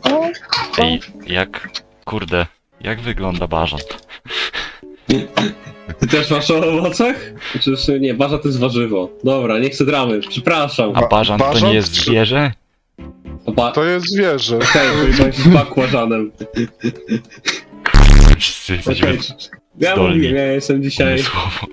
Ej, kurde, jak wygląda bażant? Ty też masz o owocach? Przecież nie, bażant to jest warzywo. Dobra, nie chcę dramy, przepraszam. A bażant to bażant nie jest czy- zwierzę? To jest zwierzę. Okej, to jest bakłażanem. Wszyscy jesteśmy Okej, ja zdolni. mówię, ja jestem dzisiaj... umysłowo.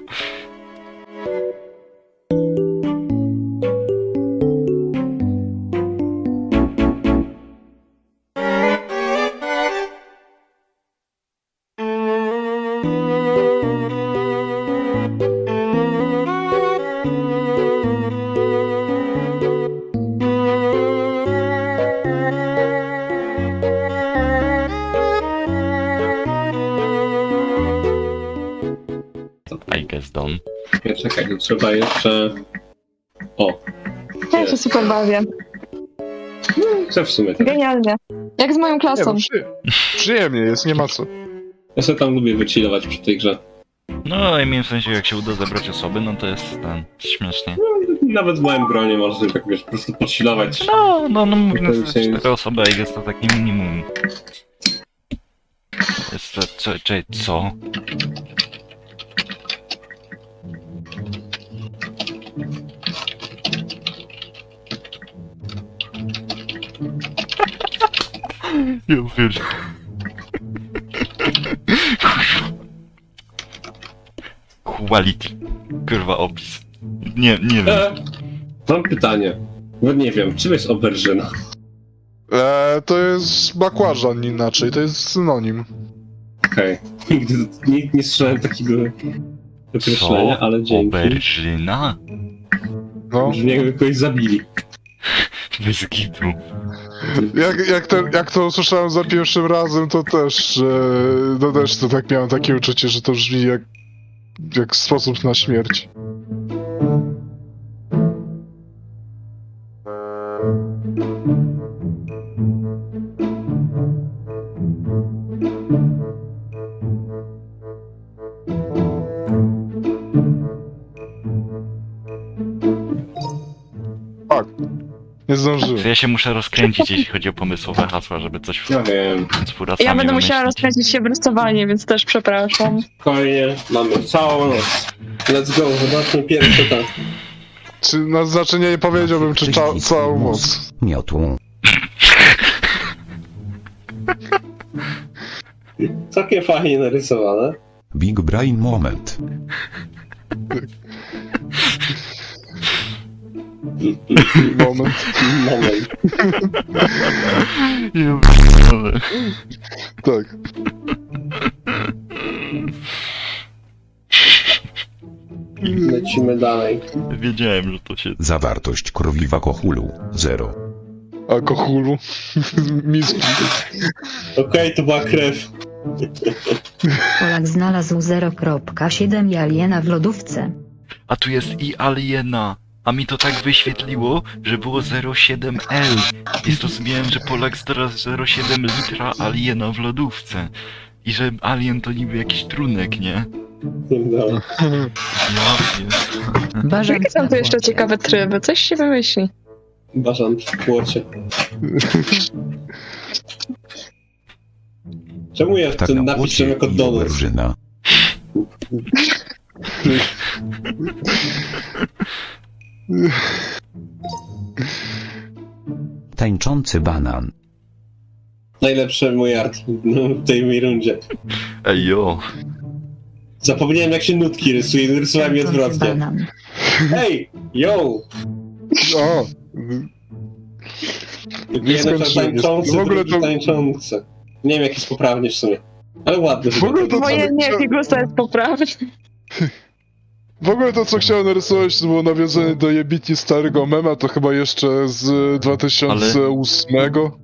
I guess done. Nie, czekaj, to trzeba jeszcze... O, Ja się super bawię. chcę w sumie tak. Genialnie. Jak z moją Nie, klasą. no, przyjemnie jest, nie ma co. Ja sobie tam lubię wychillować przy tej grze. No, I mean, w sensie, jak się uda zebrać osoby, no to jest ten, śmiesznie. Nawet w moim gronie można sobie tak, wiesz, po prostu podchillować. No, mówiąc, To się- 4 osoby, I guess to takie minimum. Jest to, co? Ja wiesz. Quality. Kurwa opis. Nie wiem. Mam pytanie. No nie wiem, czym jest oberżyna? To jest bakłażan inaczej, to jest synonim. Okej. Nigdy nie słyszałem takiego określenia, ale dzięki. Oberżyna? No. Brzmi jakby kogoś zabili. Bez kitu. Jak to usłyszałem za pierwszym razem, to też, to tak miałem takie uczucie, że to brzmi jak sposób na śmierć. Tak. Nie zdążyłem. To ja się muszę rozkręcić, jeśli chodzi o pomysłowe hasła, żeby coś Ja wiem. z furasami Ja będę musiała wymyślić. rozkręcić się w rysowanie, więc też przepraszam. Spokojnie, mamy całą noc. Let's go, zobaczmy pierwsze tam. Czy na znaczenie nie powiedziałbym, czy całą moc. Miotłą. Całkiem fajnie narysowane. Big Brain Moment. Moment. Moment. Ja pierdolę. Tak. Lecimy dalej. Wiedziałem, że to się... Zawartość krwi w alkoholu 0. Alkoholu. Miski. Okej, to była krew. Polak znalazł 0,7 aliena w lodówce. A tu jest i aliena. A mi to tak wyświetliło, że było 0,7L. I zrozumiałem, że Polak znalazł 0,7 litra aliena w lodówce. I że alien to niby jakiś trunek, nie? No. Ja pies. Jakie są tu jeszcze ciekawe tryby? Coś się wymyśli. Bażant w płocie. Czemu ja Tak ten na napis płocie jako i donut? oberżyna. Tańczący banan. Najlepszy mój art w tej mojej rundzie. Ej jo. Zapomniałem jak się nutki rysuje, rysowałem je Tańczący odwrotnie. banan. Hej! Yo! O! Nie skończyłem. tańczący, W ogóle drugi to- tańczący. Nie wiem jak jest poprawnie w sumie. Ale ładny. W ogóle to- Moje nie, figusa jest poprawny. W ogóle to, co chciałem narysować, to było nawiązanie do jebitnie starego mema, to chyba jeszcze z 2008.